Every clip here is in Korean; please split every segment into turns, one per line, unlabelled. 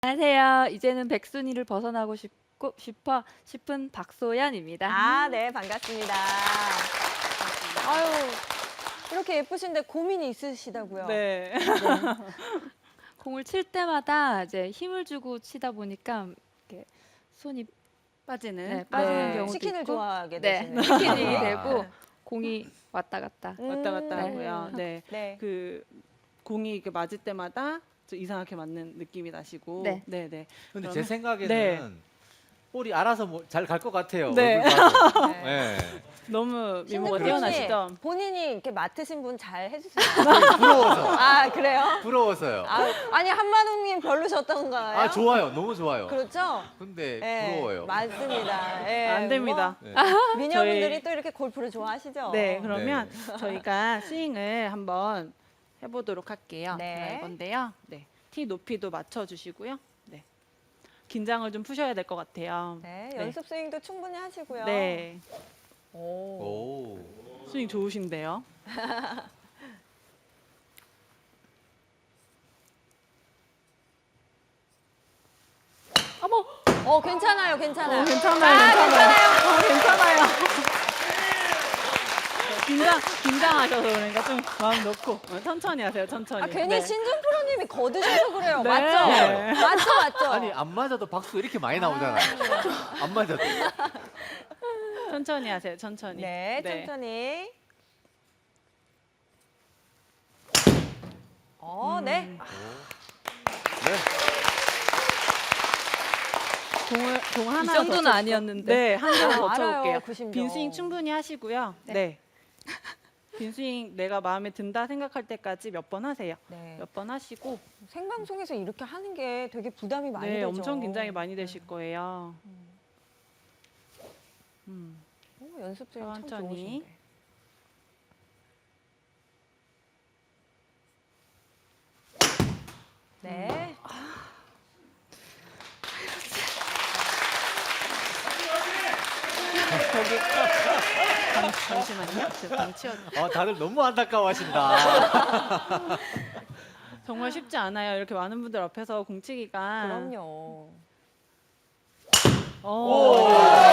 안녕하세요. 이제는 백순이를 벗어나고 싶은 박소연입니다.
아, 네, 반갑습니다. 아유, 이렇게 예쁘신데 고민이 있으시다고요?
네.
공을 칠 때마다 이제 힘을 주고 치다 보니까 이렇게 손이
빠지는
빠지는 경우도
치킨을
있고,
좋아하게
네,
되시네요.
치킨이
아.
되고 공이 왔다 갔다.
왔다 갔다
네.
하고요. 네.
네.
그 공이 이렇게 맞을 때마다 좀 이상하게 맞는 느낌이 나시고.
네.
네, 네.
근데
그러면-
제 생각에는
네.
볼이 알아서 잘 갈 것 같아요.
네.
얼굴 봐도.
네.
네.
너무 미모가
신득
뛰어나시죠?
프로님, 본인이 이렇게 맡으신 분 잘 해주세요.
부러워서.
아, 그래요?
부러워서요.
아니, 한만웅님 별로셨던가요?
아, 좋아요. 너무 좋아요.
그렇죠?
근데
네,
부러워요.
맞습니다. 네,
안 됩니다.
네.
뭐, 미녀분들이
저희-
또 이렇게 골프를 좋아하시죠?
네, 그러면 저희가 스윙을 한번 해보도록 할게요.
네.
제가 이건데요. 네. 티 높이도 맞춰주시고요. 네. 긴장을 좀 푸셔야 될 것 같아요.
네, 연습 스윙도 충분히 하시고요.
네.
오.
오.
스윙 좋으신데요.
괜찮아요, 괜찮아요.
괜찮아요. 괜찮아요. 긴장하셔서 그러니까 좀 마음 놓고 천천히 하세요. 천천히.
아, 괜히
네.
신준 프로님이 거드셔서 그래요.
네.
맞죠? 맞죠?
아니, 안 맞아도 박수 이렇게 많이 나오잖아요. 안 맞아도.
천천히 하세요. 천천히.
네, 천천히. 네.
네.
공 하나
이 정도는
더
아니었는데.
네, 한 개만 더
알아요,
쳐볼게요.
90점.
빈 스윙 충분히 하시고요. 네. 빈 스윙 내가 마음에 든다 생각할 때까지 몇 번 하세요.
네.
몇 번 하시고
생방송에서 이렇게 하는 게 되게 부담이 많이
네,
되죠.
엄청 긴장이 많이 되실 거예요.
연습 스윙 참
천천히.
좋으신데. 네.
거기 잠시만요. 제가 방 치워.
다들 너무 안타까워하신다.
정말 쉽지 않아요. 이렇게 많은 분들 앞에서 공치기가.
그럼요.
오.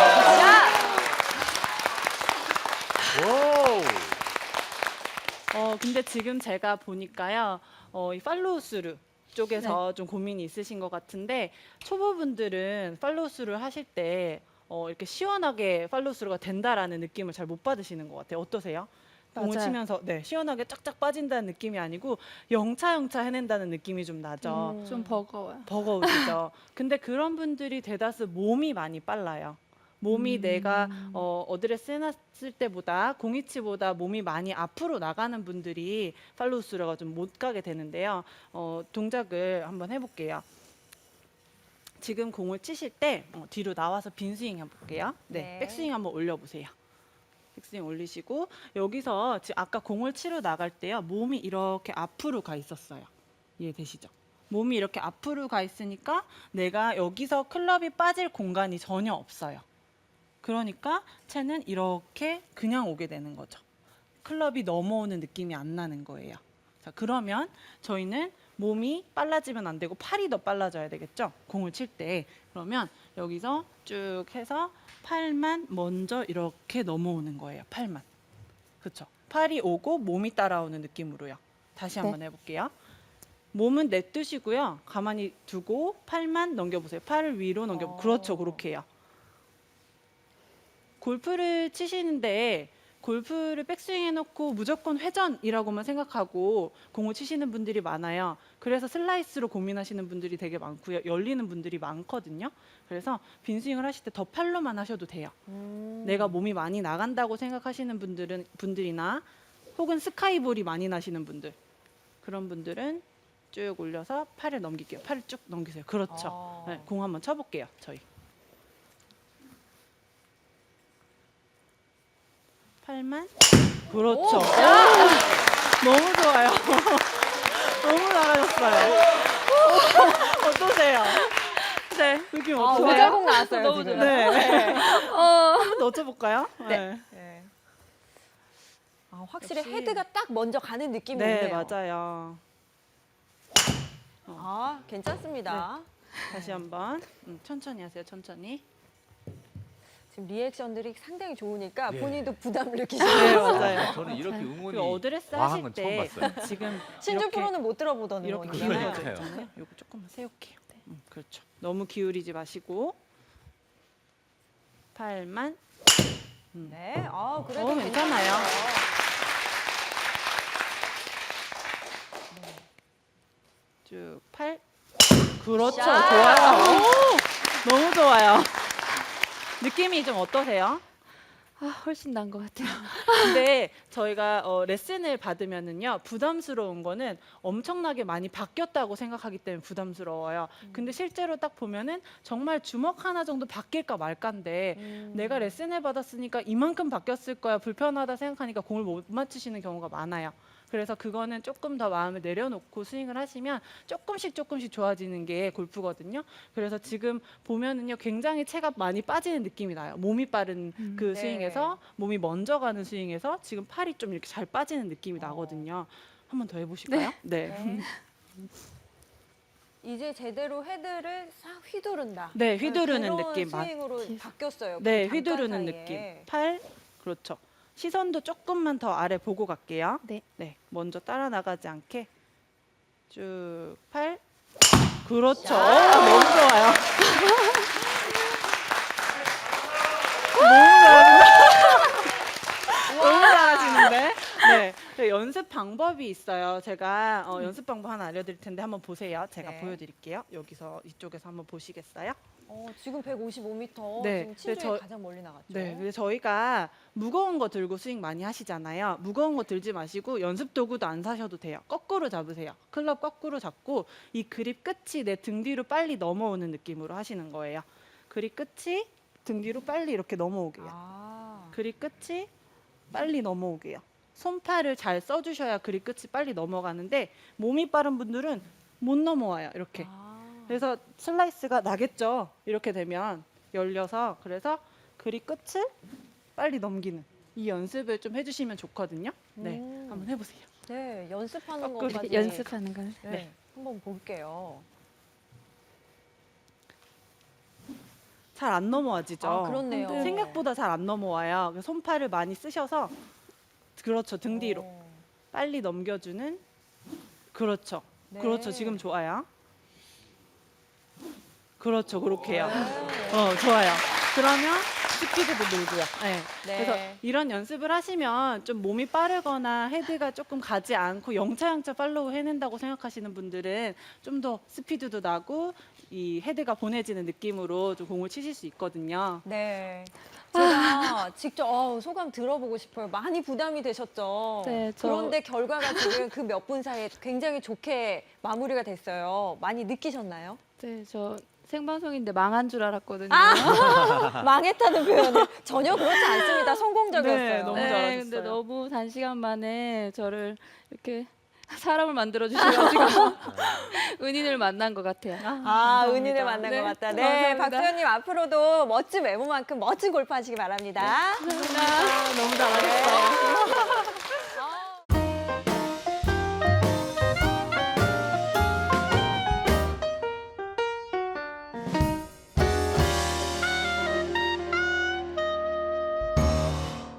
오.
근데 지금 제가 보니까요, 이 팔로우 스루 쪽에서 좀 고민이 있으신 것 같은데, 초보분들은 팔로우 스루를 하실 때, 이렇게 시원하게 팔로우 스루가 된다라는 느낌을 잘 못 받으시는 것 같아요. 어떠세요? 공을
맞아요.
치면서 시원하게 쫙쫙 빠진다는 느낌이 아니고 영차 해낸다는 느낌이 좀 나죠.
좀 버거워요.
버거우시죠. 근데 그런 분들이 대다수 몸이 많이 빨라요. 몸이 내가 어드레스 해놨을 때보다 공이치보다 몸이 많이 앞으로 나가는 분들이 팔로우 스루가 좀 못 가게 되는데요. 동작을 한번 해볼게요. 지금 공을 치실 때 뒤로 나와서 빈 스윙 해볼게요.
네.
백스윙 한번 올려보세요. 백스윙 올리시고 여기서 지금 아까 공을 치러 나갈 때요. 몸이 이렇게 앞으로 가 있었어요. 이해되시죠? 몸이 이렇게 앞으로 가 있으니까 내가 여기서 클럽이 빠질 공간이 전혀 없어요. 그러니까 채는 이렇게 그냥 오게 되는 거죠. 클럽이 넘어오는 느낌이 안 나는 거예요. 자, 그러면 저희는 몸이 빨라지면 안 되고 팔이 더 빨라져야 되겠죠? 공을 칠 때. 그러면 여기서 쭉 해서 팔만 먼저 이렇게 넘어오는 거예요. 팔만. 그렇죠? 팔이 오고 몸이 따라오는 느낌으로요. 다시 한번 해볼게요. 몸은 내뜨시고요. 가만히 두고 팔만 넘겨보세요. 팔을 위로 넘겨보세요. 그렇죠. 그렇게 해요. 골프를 치시는데 골프를 백스윙 해놓고 무조건 회전이라고만 생각하고 공을 치시는 분들이 많아요. 그래서 슬라이스로 고민하시는 분들이 되게 많고요. 열리는 분들이 많거든요. 그래서 빈스윙을 하실 때 더 팔로만 하셔도 돼요. 내가 몸이 많이 나간다고 생각하시는 분들이나 혹은 스카이볼이 많이 나시는 분들, 그런 분들은 쭉 올려서 팔을 넘길게요. 팔을 쭉 넘기세요. 그렇죠. 네, 공 한번 쳐볼게요. 저희. 팔만. 그렇죠. 너무 좋아요. 너무 잘하셨어요. 어떠세요? 네, 느낌 어떠세요?
오잘공 나왔어요,
너무
지금.
네. 한번 더 쳐볼까요?
네.
네. 확실히
역시.
헤드가 딱 먼저 가는 느낌이
네,
있네요.
맞아요.
괜찮습니다.
다시 한번 천천히 하세요. 천천히.
지금 리액션들이 상당히 좋으니까
네.
본인도 부담을
네,
느끼시네요.
맞아요.
저는 이렇게 응원이
그 어드레스
과한
하실
건 처음
때
봤어요.
지금
신주
이렇게
프로는 못 들어보던
이렇게
응원이에요.
기울여져
그러니까요.
있잖아요. 요거 조금만 세울게요. 그렇죠. 너무 기울이지 마시고 팔만.
네, 아 그래도
괜찮아요. 쭉 팔. 그렇죠.
샷!
좋아요. 오, 너무 좋아요. 느낌이 좀 어떠세요?
아, 훨씬 나은 것 같아요.
근데 저희가 레슨을 받으면은요 부담스러운 거는 엄청나게 많이 바뀌었다고 생각하기 때문에 부담스러워요. 근데 실제로 딱 보면은 정말 주먹 하나 정도 바뀔까 말까인데 내가 레슨을 받았으니까 이만큼 바뀌었을 거야 불편하다 생각하니까 공을 못 맞추시는 경우가 많아요. 그래서 그거는 조금 더 마음을 내려놓고 스윙을 하시면 조금씩 좋아지는 게 골프거든요. 그래서 지금 보면은요 굉장히 체가 많이 빠지는 느낌이 나요. 몸이 빠른 그
네.
스윙에서 몸이 먼저 가는 스윙에서 지금 팔이 좀 이렇게 잘 빠지는 느낌이 나거든요. 한 번 더 해보실까요? 네.
네. 이제 제대로 헤드를 싹 휘두른다.
네, 휘두르는
그런
느낌.
스윙으로 바뀌었어요.
네,
그 잠깐
휘두르는
사이에.
느낌. 팔, 그렇죠. 시선도 조금만 더 아래 보고 갈게요.
네.
네, 먼저 따라 나가지 않게 쭉 팔. 그렇죠. 너무 좋아요. 너무 잘하시는데. 네, 네, 연습 방법이 있어요. 제가 연습 방법 하나 알려드릴 텐데 한번 보세요. 제가
네.
보여드릴게요. 여기서 이쪽에서 한번 보시겠어요?
지금 155m.
네.
지금
네,
친주에 가장 멀리 나갔죠.
네, 근데 저희가 무거운 거 들고 스윙 많이 하시잖아요. 무거운 거 들지 마시고 연습 도구도 안 사셔도 돼요. 거꾸로 잡으세요. 클럽 거꾸로 잡고 이 그립 끝이 내 등 뒤로 빨리 넘어오는 느낌으로 하시는 거예요. 그립 끝이 등 뒤로 빨리 이렇게 넘어오게요.
아,
그립 끝이 빨리 넘어오게요. 손팔을 잘 써주셔야 그립 끝이 빨리 넘어가는데 몸이 빠른 분들은 못 넘어와요. 이렇게. 그래서 슬라이스가 나겠죠. 이렇게 되면 열려서 그래서 그립 끝을 빨리 넘기는 이 연습을 좀 해주시면 좋거든요. 네, 한번 해보세요.
네, 연습하는
거꾸로
것까지
연습하는 걸.
네,
네.
한번 볼게요.
잘 안 넘어와지죠.
아, 그렇네요.
생각보다 잘 안 넘어와요. 그래서 손팔을 많이 쓰셔서 그렇죠. 등 뒤로 빨리 넘겨주는 그렇죠.
네.
그렇죠. 지금 좋아요. 그렇죠. 그렇게요.
네.
좋아요. 그러면 스피드도 늘고요. 네.
네.
그래서 이런 연습을 하시면 좀 몸이 빠르거나 헤드가 조금 가지 않고 영차영차 팔로우 해낸다고 생각하시는 분들은 좀 더 스피드도 나고 이 헤드가 보내지는 느낌으로 좀 공을 치실 수 있거든요.
네. 제가 직접 소감 들어보고 싶어요. 많이 부담이 되셨죠?
네,
그런데 결과가 지금 그 몇 분 사이에 굉장히 좋게 마무리가 됐어요. 많이 느끼셨나요?
네, 저 생방송인데 망한 줄 알았거든요.
망했다는 표현은 전혀 그렇지 않습니다. 성공적이었어요.
네, 너무
네,
잘하셨어요.
근데 너무 단시간 만에 저를 이렇게 사람을 만들어 주셔가지고 은인을 만난 것 같아요.
은인을 만난
네,
것 같다. 네,
감사합니다.
박수현님 앞으로도 멋진 외모만큼 멋진 골프 하시기 바랍니다.
너무 잘하셨어요.